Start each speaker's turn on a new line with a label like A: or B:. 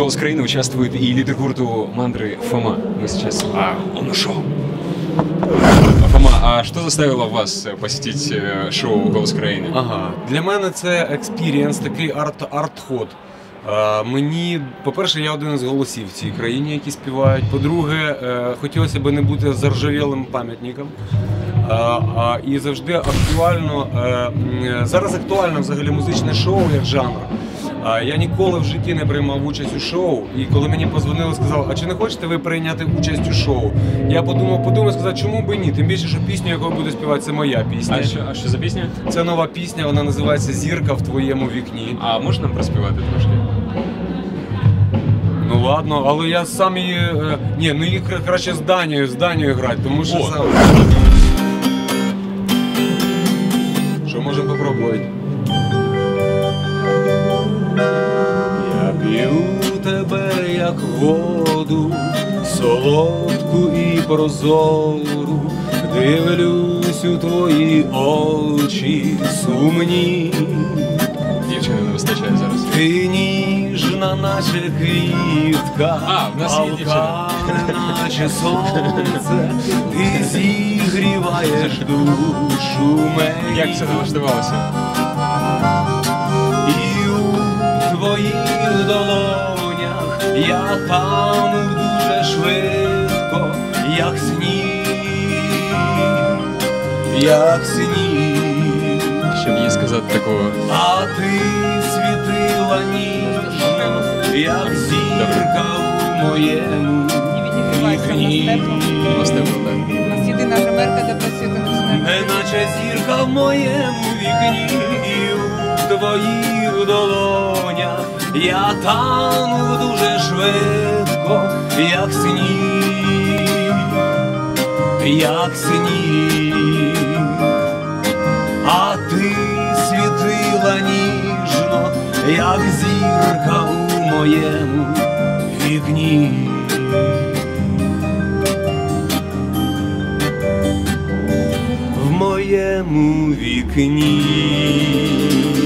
A: «Голос Украины» участвует и лидер гурту «Мантры» Фома. Мы сейчас... он ушел. Фома, а что заставило вас посетить шоу «Голос Украины»?
B: Ага, для мене це експірієнс, такий арт-ход. Мені, по-перше, я один із голосів в цій країні, які співають. По-друге, хотілося б не бути заржавілим пам'ятником. І завжди актуально, зараз актуально взагалі музичне шоу як жанр. Я ніколи в житті не приймав участь у шоу, і коли мені подзвонили, сказали, а чи не хочете ви прийняти участь у шоу? Я подумав, сказав, чому б і ні? Тим більше, що пісню, яку буду співати, це моя пісня.
A: А що за пісня?
B: Це нова пісня, вона називається «Зірка в твоєму вікні».
A: А можна нам проспівати трошки?
B: Ну ладно, але я сам її... Ні, ну її краще з Данією грати, тому що сам... Що, можемо попробувати? Я п'ю тебе, як воду, солодку і прозору, дивлюсь у твої очі сумні.
A: Дівчини не вистачає зараз.
B: Ти ніжна, наче квітка,
A: в нас є дівчина.
B: наче сонце, ти зігріваєш душу мені.
A: Як все налаштувалося?
B: І у твоїх долонях я тану дуже швидко, як сніг, як сніг.
A: Щоб їй сказати такого.
B: А ти світила ніжно, як зірка у моєму вікні.
A: У нас
C: єдина гримерка, де працює кондиціонер.
B: Неначе зірка в моєму вікні, і у твоїх долонях я тану дуже швидко, як сніг, як сніг. А ти світила ніжно, як зірка у моєму вікні. В моєму вікні.